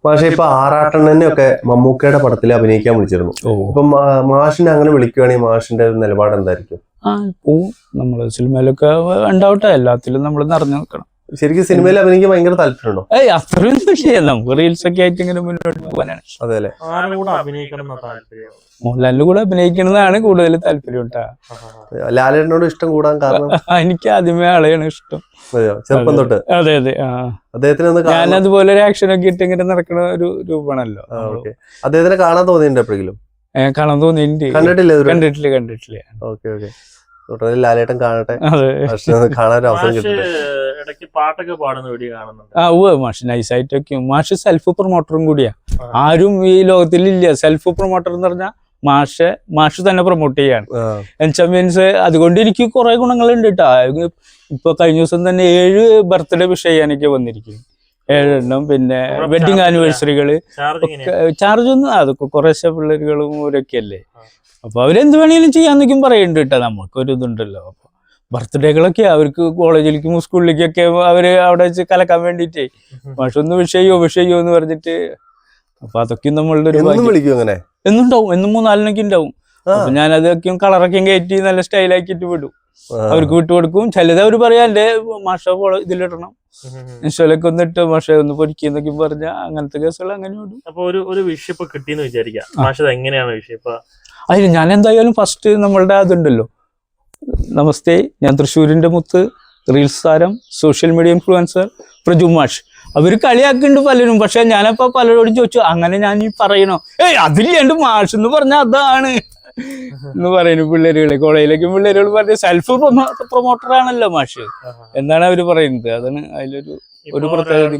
പക്ഷെ ഇപ്പൊ ആറാട്ടണ്ണനെ ഒക്കെ മമ്മൂക്കയുടെ പടത്തിൽ അഭിനയിക്കാൻ വിളിച്ചിരുന്നു. അപ്പൊ മാഷിനെ അങ്ങനെ വിളിക്കുകയാണെങ്കിൽ മാഷിന്റെ നിലപാട് എന്തായിരിക്കും? നമ്മള് സിനിമയിലൊക്കെ ഉണ്ടാവട്ടെ, എല്ലാത്തിലും നമ്മൾ നിറഞ്ഞു നിൽക്കണം. ശരിക്കും സിനിമയിൽ അഭിനയിക്കാൻ ഭയങ്കര താല്പര്യമുണ്ടോ? അത്രയൊന്നും ചെയ്യാം, നമുക്ക് റീൽസ് ഒക്കെ ആയിട്ട് ഇങ്ങനെ മുന്നോട്ട് പോകാനാണ്. അതെല്ലേ, മോഹൻലാലിന്റെ കൂടെ അഭിനയിക്കുന്നതാണ് കൂടുതൽ താല്പര്യം. ലാലേട്ടനോട് ഇഷ്ടം കൂടാൻ കാരണം? എനിക്ക് ആദ്യമേ ആളെയാണ് ഇഷ്ടം, ചെറുപ്പം തൊട്ട്. അതെ അതെ. അദ്ദേഹത്തിന് ഞാൻ അതുപോലെ ഒരു ആക്ഷൻ ഒക്കെ ഇട്ട് ഇങ്ങനെ നടക്കുന്ന ഒരു രൂപമാണല്ലോ. അദ്ദേഹത്തിനെ കാണാൻ തോന്നിയിട്ടുണ്ട് എപ്പോഴെങ്കിലും? കാണാൻ തോന്നിയിട്ടുണ്ട്. കണ്ടിട്ടില്ല. ഓക്കെ ഓക്കെ, ലാലേട്ടൻ കാണട്ടെ, കാണാൻ അവസരം കിട്ടട്ടെ. പാട്ടൊക്കെ പാടുന്ന വീഡിയോ കാണുന്നുണ്ട്. മാഷ് നൈസായിട്ടൊക്കെ. മാഷ് സെൽഫ് പ്രൊമോട്ടറും കൂടിയാ. ആരും ഈ ലോകത്തിൽ ഇല്ല സെൽഫ് പ്രൊമോട്ടർ എന്ന് പറഞ്ഞാൽ മാഷ് തന്നെ പ്രൊമോട്ട് ചെയ്യാണ്. എന്നുവെച്ചാൽ മീൻസ് അതുകൊണ്ട് എനിക്ക് കുറെ ഗുണങ്ങളുണ്ട് കേട്ടാ. ഇപ്പൊ കഴിഞ്ഞ ദിവസം തന്നെ 7 ബർത്ത്ഡേ വിഷ് ചെയ്യാനൊക്കെ വന്നിരിക്കും, 7 എണ്ണം. പിന്നെ വെഡിങ് ആനിവേഴ്സറികള്, ചാർജ് ഒന്നും അതൊക്കെ കുറേശ്ശെ പിള്ളേരുകളും അവരൊക്കെ അല്ലേ. അപ്പൊ അവരെന്ത് വേണമെങ്കിലും ചെയ്യാന്നൊക്കെ പറയുന്നുണ്ട് കേട്ടോ. നമുക്കൊരു ഇതുണ്ടല്ലോ. അപ്പൊ ബർത്ത്ഡേകളൊക്കെ അവർക്ക് കോളേജിലേക്കും സ്കൂളിലേക്കൊക്കെ അവര് അവിടെ വെച്ച് കലക്കാൻ വേണ്ടിട്ടേ പക്ഷെ ഒന്ന് വിഷയോ എന്ന് പറഞ്ഞിട്ട്. അപ്പൊ അതൊക്കെ നമ്മളുടെ ഒരു എന്നുണ്ടാവും, എന്നും 3-4 ഉണ്ടാവും. അപ്പൊ ഞാൻ അതൊക്കെയും കളറൊക്കെ കയറ്റി നല്ല സ്റ്റൈലാക്കിയിട്ട് വിടും, അവർക്ക് വിട്ടുകൊടുക്കും. ചിലത് അവര് പറയാ എന്റെ മാഷ ഇതിലിടണം, ഇൻസ്റ്റയിലൊക്കെ ഒന്ന് ഇട്ട് മാഷ ഒന്ന് പൊരിക്കുന്നൊക്കെ പറഞ്ഞ അങ്ങനത്തെ കേസുകൾ അങ്ങനെ വിടും. അപ്പൊ ഒരു വിഷയം ഇപ്പൊ കിട്ടിയെന്ന് വിചാരിക്കാം, മാഷത് എങ്ങനെയാണ് വിഷയം? അതിന് ഞാൻ എന്തായാലും ഫസ്റ്റ് നമ്മളുടെ അതുണ്ടല്ലോ, നമസ്തേ, ഞാൻ തൃശ്ശൂരിന്റെ മുത്ത്, റീൽസ് താരം, സോഷ്യൽ മീഡിയ ഇൻഫ്ലുവൻസർ പ്രജു മാഷ്. അവര് കളിയാക്കുന്നുണ്ട് പലരും. പക്ഷെ ഞാനപ്പോ പലരോടും ചോദിച്ചു, അങ്ങനെ ഞാൻ ഈ പറയണോ? അതിലെന്റെ മാഷ് എന്ന് പറഞ്ഞ അതാണ് എന്ന് പറയുന്നു പിള്ളേരുകളെ. കോളേജിലേക്കും പിള്ളേരുകൾ പറഞ്ഞ സെൽഫ് പ്രൊമോട്ടർ ആണല്ലോ മാഷ് എന്നാണ് അവര് പറയുന്നത്. അതാണ് അതിലൊരു പ്രത്യേകത.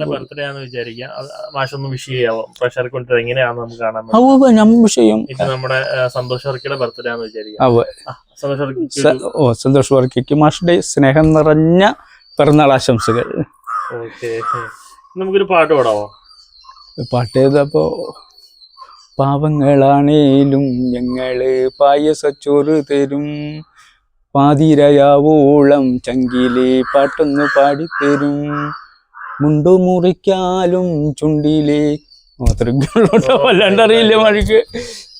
സന്തോഷ് വർക്കിക്ക് മാഷിന്റെ സ്നേഹം നിറഞ്ഞ പിറന്നാൾ ആശംസകൾ. നമുക്കൊരു പാട്ട് പാടാവോ? പാട്ട് ഏതപ്പോ? പാവങ്ങളാണേലും ഞങ്ങള് പായസച്ചോറ് തരും, പാതിരയാവോളം ചങ്കിലെ പാട്ടൊന്ന് പാടിത്തരും, മുണ്ടു മുറിക്കാലും ചുണ്ടിലെ. അത്രയ്ക്കുള്ളൂട്ടോ, വല്ലാണ്ട് അറിയില്ല മഴയ്ക്ക്.